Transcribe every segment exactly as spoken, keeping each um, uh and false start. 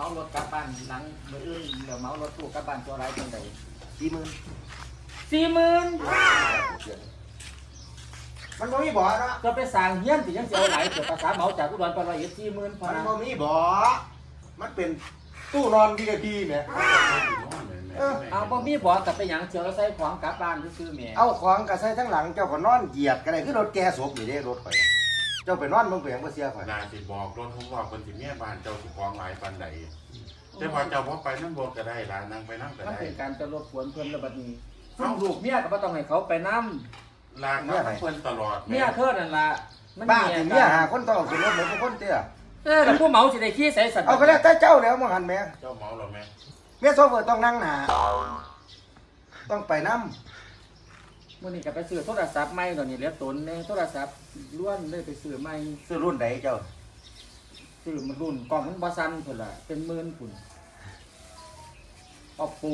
มารถกลับบ้านหลังมืออื่นเดี๋ยวเมารถตู้กลับบ้านตัวไรจังไดสี่หมื่นสี่หมื่นมันบ่มีบ่อเนาะจะไปสั่งเฮี้ยนสิยังเสียไหลเกิดภาษาเมาจากอุดรไปร้อยเอ็ดสี่หมื่นพอมันนะบ่มีบ่อมันเป็นตู้นอนวี ไอ พี แหมเอาบ่มีบ่กับไปหยังเชียวแล้วใส่ของกลับบ้านซื้อแม่เอาของก็ใส่ทั้งหลังเจ้าก็นอนเหยียดก็ได้คือรถแก่ศพนี่เด้รถข่อยเจ้าไปนอนเบิ่งเปียงบ่เสียข่อยนาสิบอกรถผมว่าคนสิเมียบ้านเจ้าสิฟ้องหลายปานใดแต่ว่าเจ้าบ่ไปนั่งบ่ก็ได้ล่ะนั่งไปนั่งก็มันได้เป็นการจะรบกวนเพิ่นระบัดนี้ซึ่งลูกเมียก็บ่ต้องให้เขาไปนำลากมาเพิ่นตลอดเมียเธอนั่นล่ะมันบ้าสิเมียหาคนต้องขึ้นรถเหมือนทุกคนเตี้ยเออแล้วผู้เมาสิได้ขี้ใส่สัตว์เอาก็แล้วแต่เจ้าแล้วบ่หันแหมเจ้าเมาหรอแม่เมียโซเฟอร์ต้องนั่งหน้าต้องไปนำมื้อนี้ก็ไปซื้อโทรศัพท์ใหม่ตอนนี้เหลือตนแน่โทรศัพท์ล้วนเลยไปซื้อใหม่ซื้อรุ่นใดเจ้าซื้อมันรุ่นกล่องมันบ่ซันพุ่นล่ะเป็นหมื่นพุ่น Oppo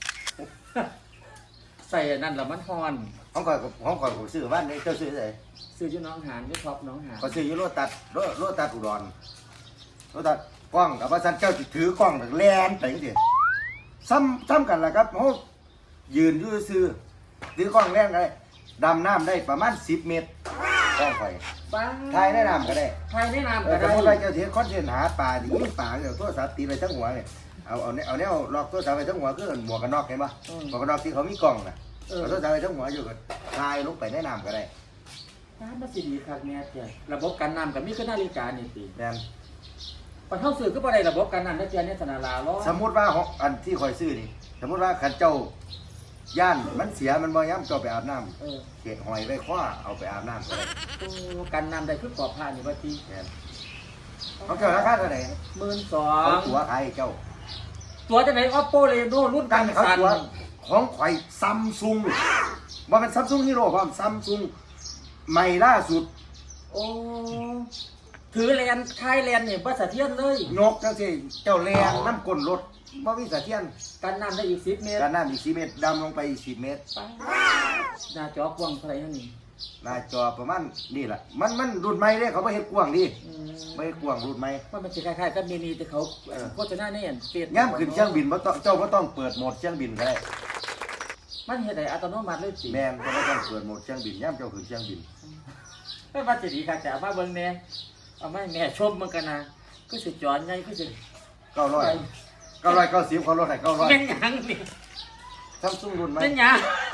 ใส่อันนั่นแล้วมันฮ้อนของข่อยของข่อยผมซื้อบ้านนี้เจ้าซื้อไสซื้ออยู่หน้องหานอยู่ท็อปหน้องหานก็ซื้ออยู่โลตัสโลโลตัสอุดรโลตัสกล้องกับว่าซั่นเจ้าสิถือกล้องแล่นไปจังซี่ซ้ำซ้ำกันล่ะครับเฮายืนอยู่ซื่อถือกล้องแล่นก็ได้ดำน้ำได้ประมาณสิบเมตรกล้องข่อยป้าถ่ายในน้ำก็ได้ถ่ายในน้ำเอก็อสมได้มุติว่าเจ้าสิเฮ็ดคอนเทนต์หาปลาดิยิงปลาเดี๋ยวโทรศัพท์ตีไปทั้งหัวเนี่ยเอาเอาแนวเอาแนวล็อกโทรศัพท์ไปทั้งหัวคือหมวกกันน็อกเห็นป่ะหมวกกันน็อกที่เขามีกล้องน่ะเอาโทรศัพท์ไปทั้งหัวอยู่ก็ถ่ายลงไปในน้ำก็ได้น้ำมันสิดีคักแม่เจ้าระบบกันน้ำก็มีคือนาฬิกานี่ติแม่นปะเท่าซื้อก็บ่ได้ระบบกันน้ำนะเจ้าเนี่ยสนาลาล้อสมมุติว่าของอันที่ข่อยซื้อนี่สมมุติว่าคันเจ้าย่านมันเสียมันบ่ย้ำเจ้าไปอาบน้ำเออเขตหอยไว้คว้าเอาไปอาบน้ำก็ได้โอ้กันน้ำได้คือปอบผ้านี่ว่าติแม่นเขาเจ้าราคาเท่าไหร่หมื่นสอเขางตัวขายให้เจ้าตัวจะไหน Oppo Reno รุ่นกักัน นเขาสั่นตัวของข่อยซัมซุงว่าเป็นซัมซุงฮีโร่พร้อมซัมซุงใหม่ล่าสุดโอ้ถือแลนคายแลนนี่บ่สะเทือนเลยนกจังซี่เจ้าแรงน้ำก้นรถบ่มีเสถียรกันน้ำได้อีกสิบเมตรการน้ำอีกสี่เมตรดำลงไปอีกสิบเมตรหน้าจอกว้างเท่าไหร่นั่นนี่หน้าจอประมาณนี่แหละมันมันรุ่นใหม่เด้เขาบ่เฮ็ดกว้างดิอืมบ่เฮ็ดกว้างรุ่นใหม่ว่ามันจะคล้ายๆกับมินิแต่เขาเออโฆษณาในอันเฟซย่ำขึ้นเครื่องบินบ่ต้องเจ้าบ่ต้องเปิดโหมดเครื่องบินก็ได้มันเฮ็ดให้อัตโนมัติเลยสิแม่นเจ้าบ่ต้องเปิดโหมดเครื่องบินย่ำเจ้าขึ้นเครื่องบินไม่ว่าจะดีค่ะจะเอามาเบิ่งแหน่เอามาให้แม่ชมมันกันนะคือสิจอนไงคือสิเก้าร้อยเก้าร้อยเก้าสิบเขาลดให้เก้าร้อยเป็นหยังนี่ซัมซุงรุ่นใหม่เป็นหยัง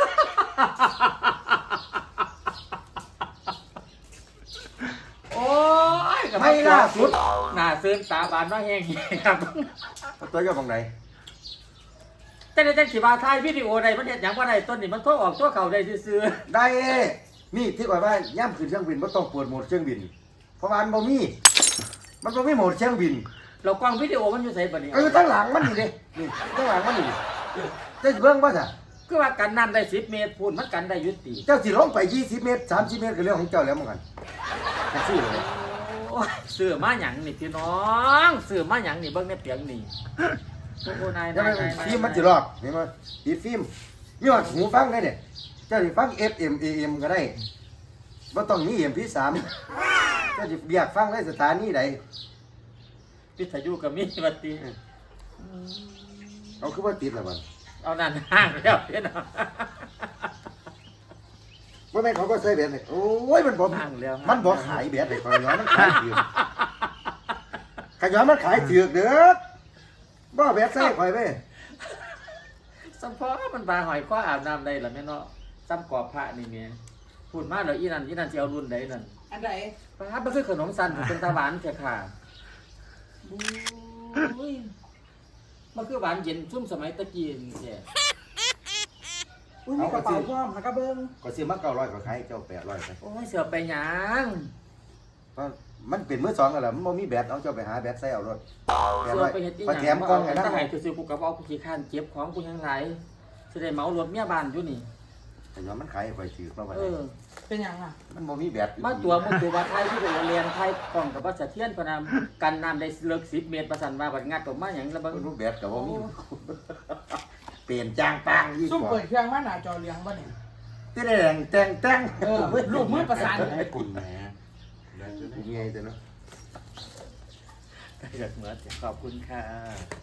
โอ้ยกับไม่ล่าสุดหน้าซื้อตาบานว่าแห้งครับตัวเจ้าของไหนแต่ในจังสิว่าถ่ายวิดีโอใดมันเฮ็ดหยังบ่ได้ต้นนี่มันโทรออกตัวเขาได้ซื่อได้นี่ที่ข่อยว่าย่ำขึ้นเครื่องบินบ่ต้องเปิดโหมดเครื่องบิน เพราะว่ามันบ่มีมันบ่มีโหมดเครื่องบินๆเรากล้องวิดีโอมันอยู่ไสบัดนี้ก็อยู่ทั้งหลังมันนี่เด้นี่ทั้งหลังมันนี่เจ้าสิเบิ่งบ่ซะคือว่ากันน้ำได้สิบเมตรพูนมันกันได้อยุติเจ้าสิลงไปยี่สิบเมตรสามสิบเมตรก็เรื่องของเจ้าแล้วเหมือนกันแท็กซี่เลยโอ้ยซื้อมาหยังนี่พี่น้องซื้อมาหยังนี่เบิ่งในเปียงนี่โอ้โหนายแล้วนายนายฟิล์มมันสิรอกเห็นมั้ยติดฟิล์มมีว่าหูฟังได้เนี่ยเจ้าสิฟัง เอฟ เอ็ม เอ เอ็ม ก็ได้บ่ต้องมี เอ็ม พี สาม เจ้าสิเบียกฟังได้สถานีใดวิทยุก็มีบัดนี้เอาคือว่าติดแล้วบัดเอานั่นห้างแล้วพี่น้องบ่แม่นเขาก็ใส่แบตนี่โอ้ยมันบ่ห้างแล้วมันบ่ขายแบตให้ข่อยย้อนมันขายถือกขย้อนมันขายถือกเด้อบ่แบตใส่ข่อยเว้ยสัมพอมันบาหอยข้ออาบน้ำได้ล่ะแม่เนาะซ้ำกรอบพระนี่แม่พูดมาแล้วอีนั่นอีนั่นสิเอารุ่นใดนั่นอันใดพระมันคือขนมสันเป็นตาหวานแท้ค่ะอุ้ยมันคือหวานเย็นชุ่มสมัยตะกี้นี่แท้อุ้ยมีกระเป๋าพร้อมหากระเบิ้งก็ซื้อมาเก้าร้อยก็ขายเจ้าแปดร้อยไปโอ้ยเสือไปหยังก็มันเป็นมือสองกันแหละมันบ่มีแบตเอาเจ้าไปหาแบตใส่เอารถแปดเสืร้ออยไปเฮ็ดอีหพอยังแถมกล้องไงถ้านะให้คือซื้อกูกระเป๋ากูขี้ข้านเก็บของกูยังหลายสิได้เหมารถเมียบ้านอยู่นี่แต่ย้อนมันขายไปถือมาไว้เออเป็นหยังอ่ะมันบ่มีแบตมาตัวมุตัวว่าไทยที่เป็นเรียนไทยกล่องกับว่าสะเทียนพนามกันน้ำได้เลิกสิบเมตรประสันว่าบัดงัดออกมาอย่างระเบิดมันบ่แบตก็บ่มีเปลี่ยนจางปางยี่ซุ่มห้อเปิดเครื่องมาหน้าจอเลี้ยงบ่เนี่ยที่ได้แดงแต่งแต่งเออลูกมือประสานให้คุณแหม่ได้จะได้มีไงแต่เนาะอยากเหมือนขอบคุณค่ะ